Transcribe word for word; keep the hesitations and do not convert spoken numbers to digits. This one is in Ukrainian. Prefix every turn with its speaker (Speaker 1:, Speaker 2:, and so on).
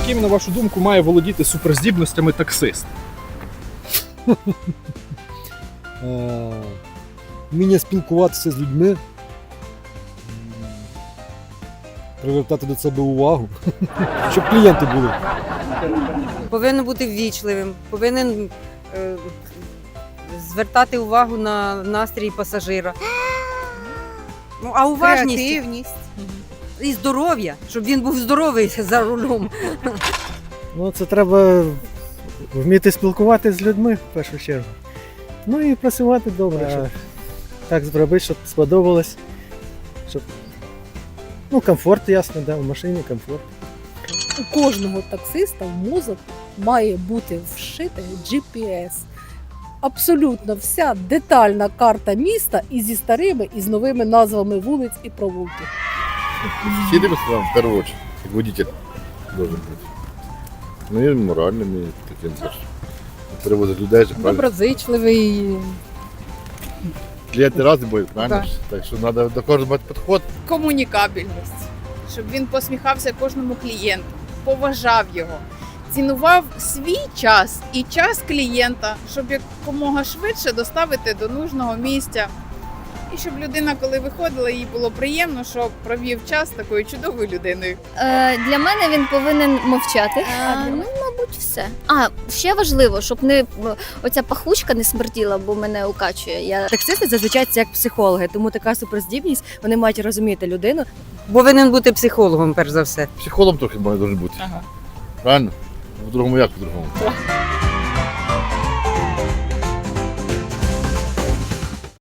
Speaker 1: Яким, на вашу думку, має володіти суперздібностями таксист?
Speaker 2: Е, Вміння спілкуватися з людьми, м, привертати до себе увагу, щоб клієнти були.
Speaker 3: Повинен бути ввічливим, повинен е, звертати увагу на настрій пасажира. Ну, а уважність
Speaker 4: Креативність.
Speaker 3: і здоров'я, щоб він був здоровий за рулем.
Speaker 5: Ну, це треба вміти спілкуватися з людьми в першу чергу. Ну і працювати добре, щоб так зробити, щоб сподобалось. Щоб... Ну, комфорт, ясно, да, в машині комфорт.
Speaker 4: У кожного таксиста в мозок має бути вшитий джі пі ес. Абсолютно вся детальна карта міста і зі старими, і з новими назвами вулиць і провулків.
Speaker 6: Сидим вам в первую очередь, как водитель должен быть. Ну и моральным, и таким теж. Перевозить людей же, правильно?
Speaker 4: Доброзичливий.
Speaker 6: Клієнти різні будуть, правильно?
Speaker 4: Так.
Speaker 6: ж? Так що треба до кожного мати підход.
Speaker 7: Комунікабельність, щоб він посміхався кожному клієнту, поважав його, цінував свій час і час клієнта, щоб якомога швидше доставити до нужного місця. І щоб людина, коли виходила, їй було приємно, що провів час з такою чудовою людиною.
Speaker 8: Е, для мене він повинен мовчати. Е, ну, мабуть, все. А, ще важливо, щоб не оця пахучка не смерділа, бо мене укачує. Я...
Speaker 9: Таксисти зазвичай це як психологи, тому така суперздібність, вони мають розуміти людину.
Speaker 3: Повинен бути психологом, перш за все.
Speaker 6: Психологом трохи має бути.
Speaker 7: Ага.
Speaker 6: Правильно? В другому як по-другому?